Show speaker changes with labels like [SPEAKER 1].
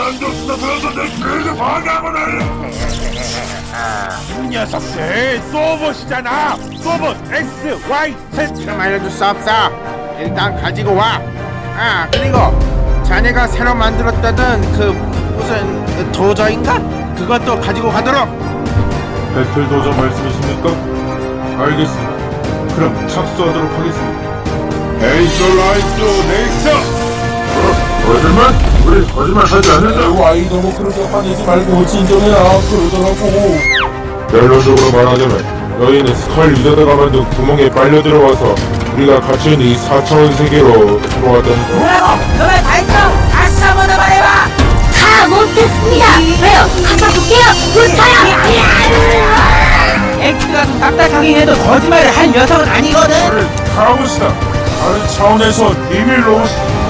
[SPEAKER 1] 안경 쓰다 들어서 내 귀를 방해하고 난리.
[SPEAKER 2] 이 녀석들 또 보시잖아. 또봇 X, Y, Z.
[SPEAKER 3] 좀 알려줄 수 없어. 일단 가지고 와. 아 그리고 자네가 새로 만들었다던 그 무슨 도저인가? 그것도 가지고 가도록.
[SPEAKER 1] 배틀 도저 말씀이십니까? 알겠습니다. 그럼 착수하도록 하겠습니다. 에이스 라이스 넥스. 거짓말? 우리 거짓말 하지 않는다.
[SPEAKER 4] 아이 너무 그렇게 화내지 말고 진정해라. 그러더라고.
[SPEAKER 1] 결론적으로 말하자면 너희는 스컬 리더가 만든 구멍에 빨려 들어와서 우리가 갇혀있는 이 4차원 세계로 들어왔다는 거.
[SPEAKER 5] 뭐라고? 너네 다 했어? 다시 한번 더 말해봐.
[SPEAKER 6] 다 못했습니다. 왜요? 갖다 줄게요. 불타요.
[SPEAKER 5] 엑스가 좀 딱딱하긴 해도 거짓말을 할 녀석은 아니거든.
[SPEAKER 1] 우리 카라봇이다. 다른 차원에서 비밀로